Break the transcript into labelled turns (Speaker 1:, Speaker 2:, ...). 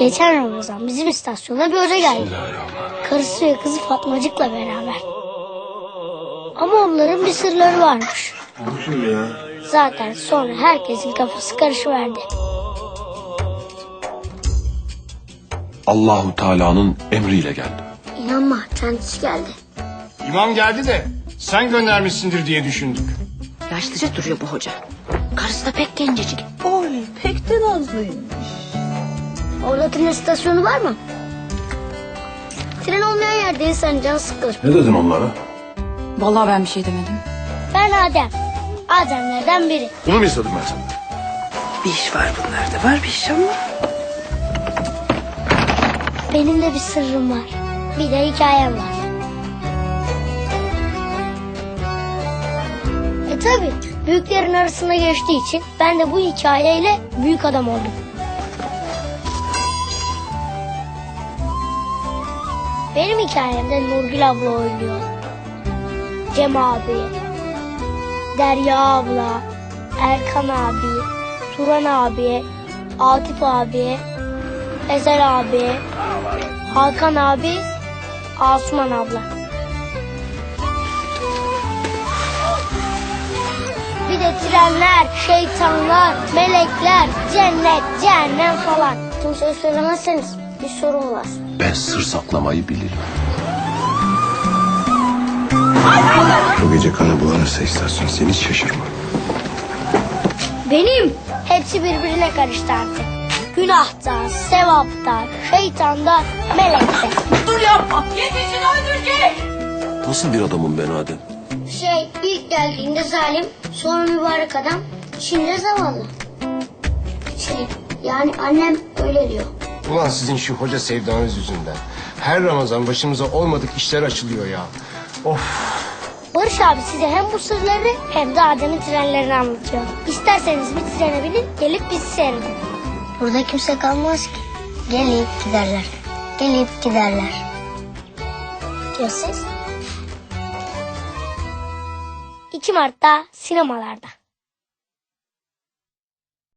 Speaker 1: Geçen Ramazan bizim istasyona bir hoca geldi. Karısı ve kızı Fatmacık'la beraber. Ama onların bir sırları varmış.
Speaker 2: Bu kim ya?
Speaker 1: Zaten sonra herkesin kafası karışıverdi.
Speaker 3: Allahu Teala'nın emriyle geldi.
Speaker 1: İnanma, kendisi geldi.
Speaker 4: İmam geldi de sen göndermişsindir diye düşündük.
Speaker 5: Yaşlıca duruyor bu hoca. Karısı da pek gencecik.
Speaker 6: Oy pek de nazlıymış.
Speaker 1: Orada tren istasyonu var mı? Tren olmayan yerde insan canı sıkılır.
Speaker 3: Ne dedin onlara?
Speaker 6: Vallahi ben bir şey demedim.
Speaker 1: Ben Adem. Ademlerden biri.
Speaker 3: Bunu mu istedim ben senden?
Speaker 6: Bir iş var bunlarda, var bir iş ama.
Speaker 1: Benim de bir sırrım var. Bir de hikayem var. Tabii büyüklerin arasında geçtiği için ben de bu hikayeyle büyük adam oldum. Benim hikayemde Nurgül abla oynuyor. Cem abi, Derya abla, Erkan abi, Turan abi, Atif abi, Ezel abi, Hakan abi, Asuman abla. Bir de trenler, şeytanlar, melekler, cennet, cehennem falan. Kimseye söylemezseniz bir sorun var.
Speaker 3: Ben sır saklamayı bilirim.
Speaker 2: Bu gece kana bulanırsa istasyon seni hiç şaşırma.
Speaker 1: Benim hepsi birbirine karıştı artık. Günahta, sevapta, şeytanda, melekte.
Speaker 6: Dur yapma. Yetişin öldürecek.
Speaker 3: Nasıl bir adamım ben Adem?
Speaker 1: İlk geldiğinde zalim, sonra mübarek adam, şimdi zavallı. Yani annem öyle diyor.
Speaker 4: Ulan sizin şu hoca sevdanız yüzünden. Her Ramazan başımıza olmadık işler açılıyor ya. Of.
Speaker 1: Barış abi size hem bu sırları hem de Adem'in trenlerini anlatıyor. İsterseniz bir trene binin, gelip bizi seyredin. Burada kimse kalmaz ki. Gelip giderler. Gelip giderler. Ya siz? 2 Mart'ta sinemalarda.